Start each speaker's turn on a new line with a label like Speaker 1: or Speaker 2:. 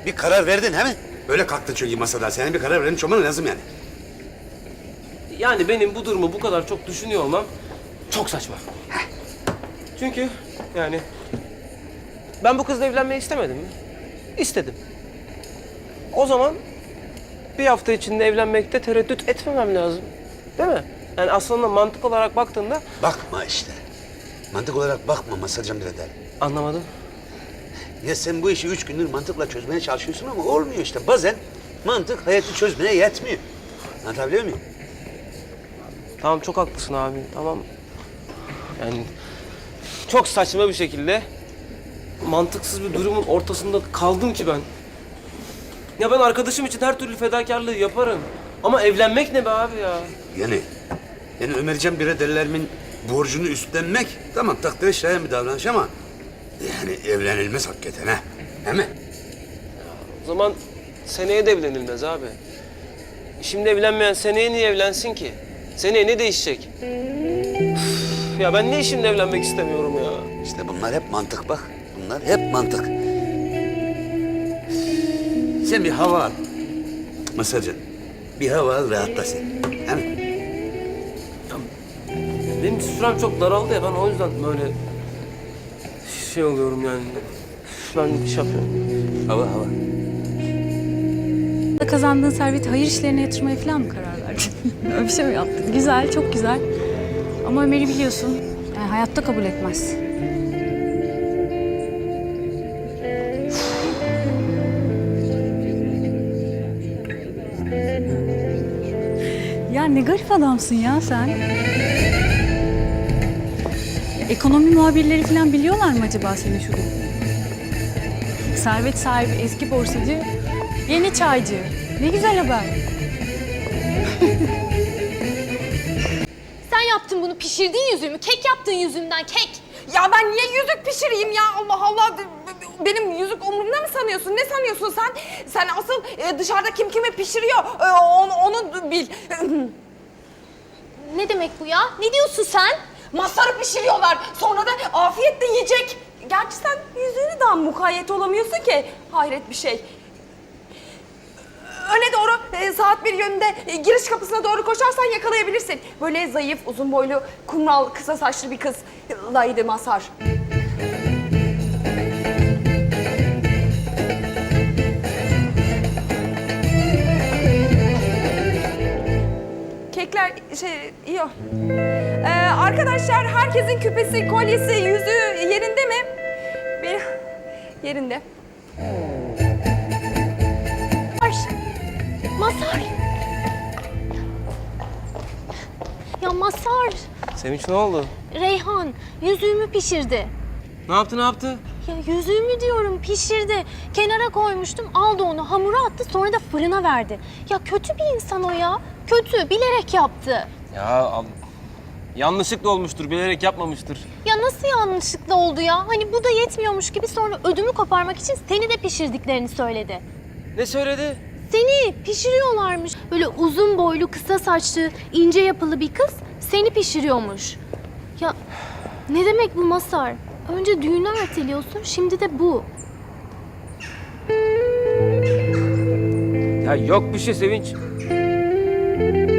Speaker 1: Bir karar verdin he mi? Öyle kalktın çünkü masada. Senin bir karar vermiş olman lazım yani.
Speaker 2: Yani benim bu durumu bu kadar çok düşünüyor olmam çok saçma. Çünkü yani ben bu kızla evlenmeyi istemedim mi? İstedim. O zaman bir hafta içinde evlenmekte tereddüt etmemem lazım. Değil mi? Yani aslında mantık olarak baktığında...
Speaker 1: Bakma işte. Mantık olarak bakma Masarcan birader.
Speaker 2: Anlamadım.
Speaker 1: Ya sen bu işi 3 gündür mantıkla çözmeye çalışıyorsun ama olmuyor işte. Bazen mantık hayatı çözmeye yetmiyor. Anlatabiliyor muyum?
Speaker 2: Tamam, çok haklısın abi. Tamam. Yani çok saçma bir şekilde mantıksız bir durumun ortasında kaldım ki ben. Ya ben arkadaşım için her türlü fedakarlığı yaparım. Ama evlenmek ne be abi ya?
Speaker 1: Yani Ömercan biraderlerimin borcunu üstlenmek tamam takdire şayan bir davranış ama yani evlenilmez hakikaten ha. Değil mi?
Speaker 2: O zaman seneye de evlenilmez abi. Şimdi evlenmeyen seneye niye evlensin ki? Seneye ne değişecek? Üf, ya ben niye şimdi evlenmek istemiyorum ya?
Speaker 1: İşte bunlar hep mantık bak. Bunlar hep mantık. Sen bir hava al. Masarcan. Bir hava al rahatla sen. Değil mi?
Speaker 2: Benim sürem çok daraldı ya, ben o yüzden böyle şey oluyorum yani. Ben iş yapıyorum.
Speaker 1: Hava.
Speaker 3: Kazandığın serveti hayır işlerine yatırmaya falan mı karar verdin? Öyle bir şey mi yaptın? Güzel, çok güzel. Ama Ömer'i biliyorsun, yani hayatta kabul etmez. Ya ne garip adamsın ya sen. Ya, ekonomi muhabirleri falan biliyorlar mı acaba senin şu durumu? Servet sahibi eski borsacı, yeni çaycı. Ne güzel haber.
Speaker 4: Sen yaptın bunu, pişirdin yüzümü. Kek yaptın yüzümden, kek.
Speaker 5: Ya ben niye yüzük pişireyim ya? Allah Allah. Benim yüzük umurumda mı sanıyorsun? Ne sanıyorsun sen? Sen asıl dışarıda kim kimi pişiriyor onu bil.
Speaker 4: Ne demek bu ya? Ne diyorsun sen?
Speaker 5: Masarı pişiriyorlar. Sonra da afiyetle yiyecek. Gerçi sen yüzüğünü daha mukayyet olamıyorsun ki. Hayret bir şey. Öne doğru saat 1 yönünde giriş kapısına doğru koşarsan yakalayabilirsin. Böyle zayıf, uzun boylu, kumral, kısa saçlı bir kızlaydı Masar. Kekler iyi o. Arkadaşlar herkesin küpesi, kolyesi, yüzüğü yerinde mi? Benim yerinde.
Speaker 4: Masar. Ya Masar,
Speaker 2: Sevinç ne oldu?
Speaker 4: Reyhan yüzüğümü pişirdi.
Speaker 2: Ne yaptı?
Speaker 4: Ya yüzüğümü diyorum, pişirdi. Kenara koymuştum, aldı onu, hamura attı, sonra da fırına verdi. Ya kötü bir insan o ya. Kötü, bilerek yaptı.
Speaker 2: Ya yanlışlıkla olmuştur, bilerek yapmamıştır.
Speaker 4: Ya nasıl yanlışlıkla oldu ya? Hani bu da yetmiyormuş gibi sonra ödümü koparmak için seni de pişirdiklerini söyledi.
Speaker 2: Ne söyledi?
Speaker 4: Seni pişiriyorlarmış. Böyle uzun boylu, kısa saçlı, ince yapılı bir kız seni pişiriyormuş. Ya ne demek bu Masar? Önce düğünü erteliyorsun, şimdi de bu.
Speaker 2: Ya yok bir şey Sevinç.